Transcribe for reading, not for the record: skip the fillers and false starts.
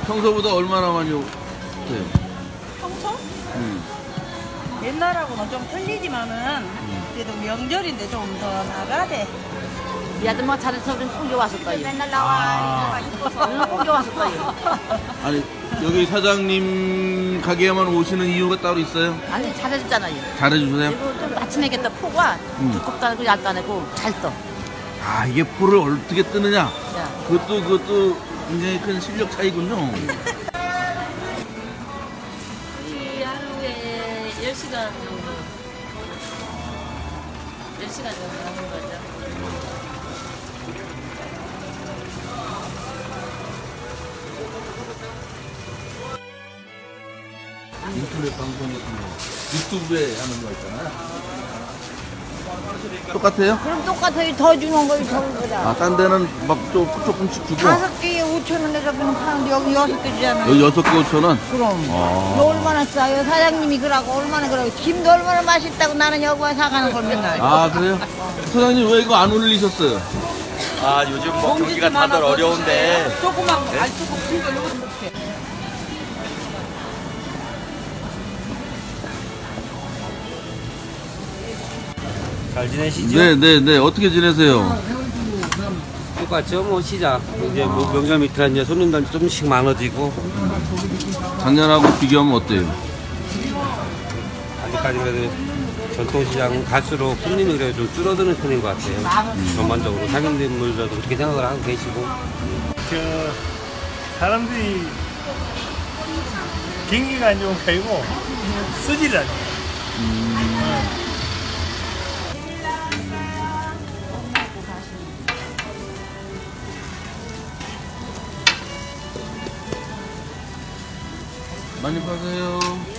평소보다 얼마나 많이 돼요? 평소? 옛날하고는 좀 틀리지만은 그래도 명절인데 좀 더 나가대. 이 아줌마 잘해서 우리는 꼭 왔었어요. 맨날 나와. 우리는 꼭 왔었어요. 아니 여기 사장님 가게에만 오시는 이유가 따로 있어요? 아니 잘해줬잖아요. 잘해주세요. 그리고 좀 맞춤이겠다. 포가 두껍도 아니고 얇도 아니고 잘 떠. 아 이게 포를 어떻게 뜨느냐? 야. 그것도 굉장히 큰 실력 차이군요. 이 하루에 10시간 정도 10시간 정도 하는 거죠. 인터넷 방송에서 유튜브에 하는 거 있잖아요. 똑같아요? 그럼 똑같아요. 더 주는 거예요, 저거보다. 아, 딴 데는 막 조금씩 주고 5개에 5,000원에 저기는 파는데 여기 6개 주잖아요. 여기 6개 5,000원? 그럼. 아. 너 얼마나 싸요? 사장님이 그러고 얼마나 그러고. 김도 얼마나 맛있다고 나는 여기 와 사가는 걸 맨날. 아 그래요? 사장님 왜 이거 안 올리셨어요? 아 요즘 뭐 경기가 다들 어려운데 조그만 알 조금 큰 거 이거 못해. 잘 지내시죠? 네네네 어떻게 지내세요? 똑같죠 뭐 시작 이제 뭐 명절 밑이라 이제 손님들 조금씩 많아지고 작년하고 비교하면 어때요? 아직까지 그래도 전통시장은 갈수록 손님이 그래도 좀 줄어드는 편인 것 같아요. 전반적으로 상인들도 그렇게 생각을 하고 계시고 사람들이 경기가 안 좋은 게 아니고 쓰지를 않아요. 많이 파세요.